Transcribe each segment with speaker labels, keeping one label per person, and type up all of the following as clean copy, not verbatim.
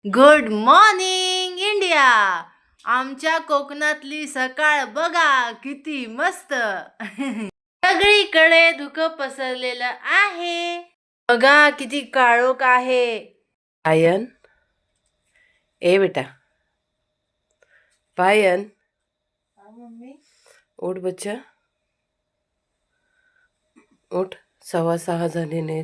Speaker 1: Good morning India. आमच्या कोकणातली सकाळ बघा किती मस्त. सगळीकडे धुकं पसरलेलं आहे. बघा किती काळोख आहे.
Speaker 2: पायन, ए बेटा पायन,
Speaker 1: मम्मी
Speaker 2: उठ बच्चा, उठ. 6:15 झाले नाहीत.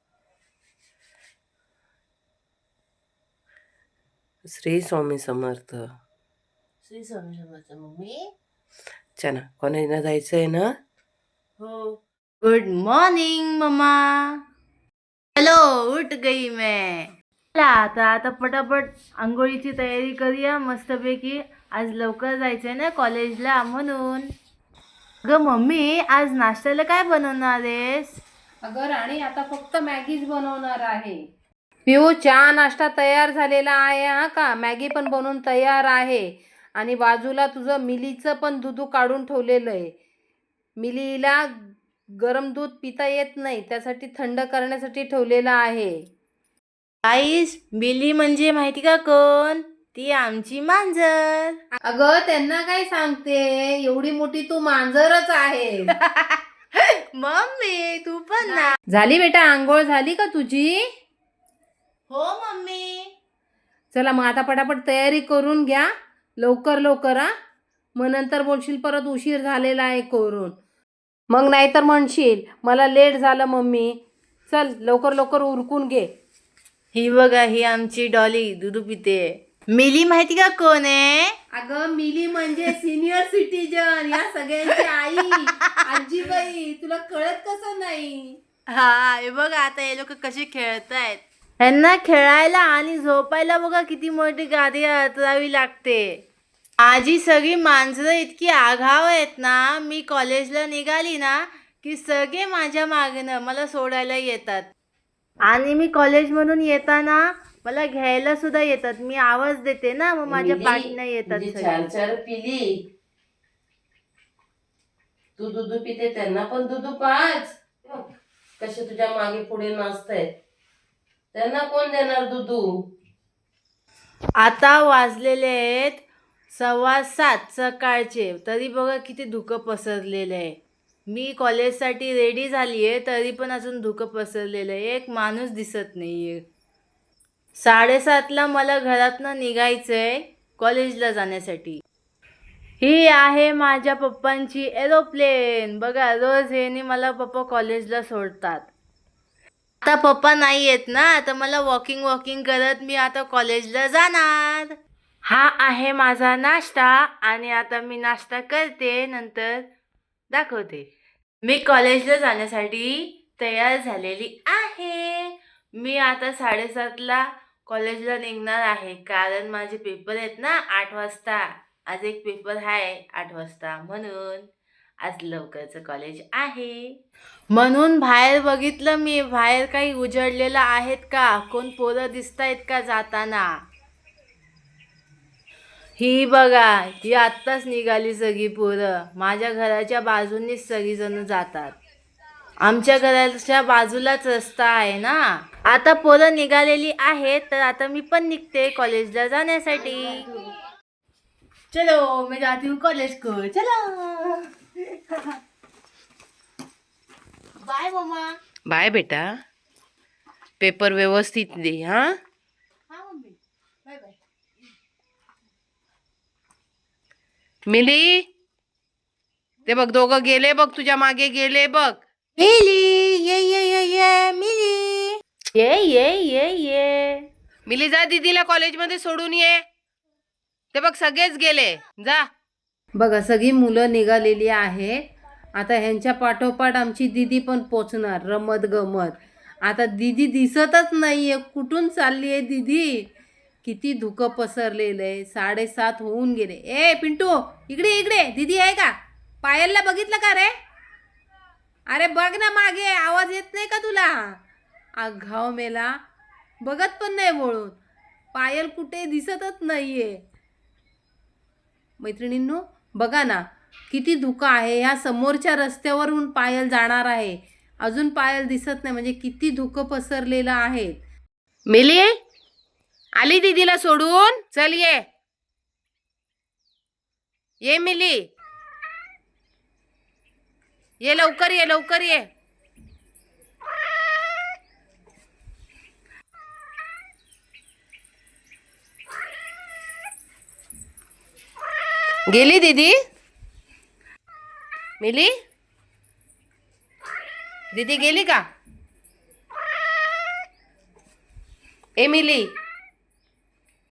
Speaker 2: श्री स्वामी समर्थ.
Speaker 1: श्री स्वामी समर्थ. मम्मी
Speaker 2: चला कॉलेजला जायचंय ना?
Speaker 1: हो. Good morning mamma. चलो उठ गई मैं. आता पटापट आंघोळीची तयारी करूया मस्तपैकी. आज लवकर जायचंय ना कॉलेजला म्हणून. अगं मम्मी आज नाश्त्याला काय बनवणार आहेस?
Speaker 2: अगं राणी, आता फक्त मॅगीच बनवणार आहे. पिऊ, चहा नाश्ता तयार झालेला आहे हा का? मॅगी पण बनवून तयार आहे. आणि बाजूला तुझं मिलीचं पण दूध काढून ठेवलेलं आहे. मिलीला गरम दूध पिता येत नाही, त्यासाठी थंड करण्यासाठी ठेवलेलं आहे.
Speaker 1: आईस बिली म्हणजे माहिती का कोण? ती आमची मांजर.
Speaker 2: अगं त्यांना काय सांगते, एवढी मोठी तू मांजरच आहे.
Speaker 1: मम्मी तू पण ना.
Speaker 2: झाली बेटा, आंघोळ झाली का तुझी?
Speaker 1: हो मम्मी.
Speaker 2: चला मग आता पटापट तयारी करून घ्या, लवकर लवकर हा. मग नंतर बोलशील परत उशीर झालेला आहे करून. मग नाहीतर म्हणशील मला लेट झालं मम्मी. चल लवकर लवकर उरकून घे.
Speaker 1: ही बघा, ही आमची डॉली दूध पिते. मिली माहिती का कोण आहे?
Speaker 2: अगं मिली म्हणजे सिनियर सिटीजन, या सगळ्यांची आई, आजीबाई. तुला कळत कसं नाही?
Speaker 1: हा हे बघा आता हे लोक कसे खेळतायत. यांना खेळायला आणि झोपायला बघा किती मोठी गादी हाताळावी लागते. माझी सगळी मांजरं इतकी आघाव आहेत ना, मी कॉलेजला निघाली ना की सगळे माझ्या मागेनं मला सोडायला येतात. आणि मी कॉलेजमधून येताना मला घ्यायला सुद्धा येतात. मी आवाज देते ना, मग माझ्या पाठीनं येतात सगळे.
Speaker 2: चार चार पिली तू दूध पिते, त्यांना पण दूध पाच. कसे तुझ्या मागे पुढे नाचतायत, त्यांना कोण देणार दूध?
Speaker 1: आता वाजलेले आहेत 7:15 सकाळचे, तरी बघा किती धुकं पसरलेलं आहे. मी कॉलेजसाठी रेडी झाली आहे तरी पण अजून धुकं पसरलेलं आहे. एक माणूस दिसत नाही आहे. 7:30ला मला घरातनं निघायचं आहे कॉलेजला जाण्यासाठी. ही आहे माझ्या पप्पांची एरोप्लेन. बघा रोज ह्याने मला पप्पा कॉलेजला सोडतात. आता पप्पा नाही येत ना, तर मला वॉकिंग करत मी आता कॉलेजला जाणार. हा आहे माझा नाश्ता आणि आता मी नाश्ता करते, नंतर दाखवते. मी कॉलेजला जाण्यासाठी तयार झालेली आहे. मी आता 7:30ला कॉलेजला निघणार आहे, कारण माझे पेपर आहेत ना 8 वाजता. आज एक पेपर आहे 8 वाजता, म्हणून आज लवकरचं कॉलेज आहे. म्हणून बाहेर बघितलं मी, बाहेर काही उजळलेलं आहेत का, कोण पोरं दिसत आहेत का जाताना. ही बघा, ही आत्ताच निघाली सगळी पोरं. माझ्या घराच्या बाजूनीच सगळीजण जातात. आमच्या घराच्या बाजूलाच रस्ता आहे ना. आता पोरं निघालेली आहेत, तर आता मी पण निघते कॉलेजला जाण्यासाठी. चलो मैं जाती हूँ कॉलेज को. चलो बाय मम्मा.
Speaker 2: बाय बेटा, पेपर व्यवस्थित दे हा.
Speaker 1: हा मम्मी, बाय बाय.
Speaker 2: मिली, ते बघ दोघं गेले बघ, तुझ्या मागे गेले बघ.
Speaker 1: मिली ये मिली ये.
Speaker 2: मिली जा, दीदीला कॉलेजमध्ये सोडून ये. ते बघ सगळेच गेले, जा. बघा सगळी मुलं निघालेली आहे. आता ह्यांच्या पाठोपाठ आमची दीदी पण पोचणार रमत गमत. आता दीदी दिसतच नाहीये, कुठून चालली आहे दीदी? किती धुकं पसरलेलं आहे. 7:30 होऊन गेले. ए पिंटू, इकडे इकडे, दीदी आहे का? पायलला बघितलं का रे? अरे बघ ना मागे, आवाज येत नाही का तुला? आघाव मेला, बघत पण नाही वळून. पायल कुठे दिसतच नाहीये. मैत्रिणींनो बघा ना, किती धुकं आहे. ह्या समोरच्या रस्त्यावरून पायल जाणार आहे, अजून पायल दिसत नाही, म्हणजे किती धुकं पसरलेलं आहे. मिली, आली दीदीला सोडून? चल ये मिली, ये लवकर, ये लवकर, ये. गेली दीदी? मिली, दीदी गेली का? ए मिली,